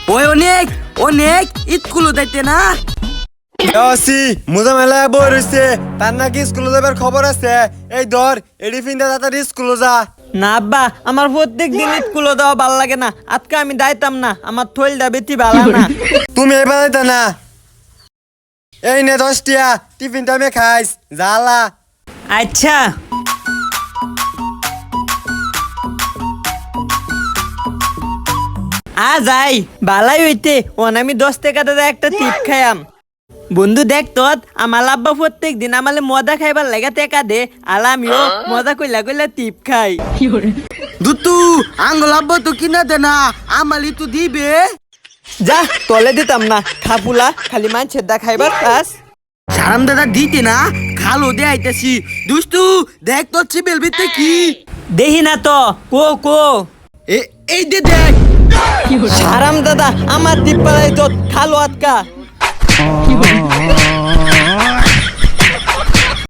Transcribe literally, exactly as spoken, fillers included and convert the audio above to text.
ওই অনেক অনেক স্কুলে যাইতে না আসি মুজা মেলা বই রইছে তার নাকি স্কুলে যাবার খবর আছে। এই ধর এডি ফিন্দা তাড়াতাড়ি স্কুলে যা। না আব্বা আমার প্রত্যেক দিন স্কুলে দেওয়া ভালো লাগে না, আজকে আমি যাইতাম না, আমার থইলটা বেশি ভালো না। তুমি এবার যাইতা না। এই নে দশটিয়া টিফিন টাইমে খাইস জ্বালা। আচ্ছা আ যাই ভালাই হইতে ওন আমি দশ টাকা দাদা একটা টিপ খাইয়াম। বন্ধু দেখ তো আমার আব্বা প্রত্যেক দিন আমালে মজা খাইবার লাগা টেকা দে, আর আমিও মজা কইলা কইলা টিপ খাই। দুতু আঙ্গুল আব্বা তো কিনা দে না আমালি তো দিবে। যা তলে দিতাম না, খাপুলা খালি মানছের দা খাইবার কাজ। সারাম দাদা দিতে না খালো দে আইতাছি। দুষ্টু দেখ তোর চিবেল ভিতরে কি দেহি না তো কো কো এ এই দে দেখ। হারাম দাদা আমার টিপ পালাই তো খালো আটকা।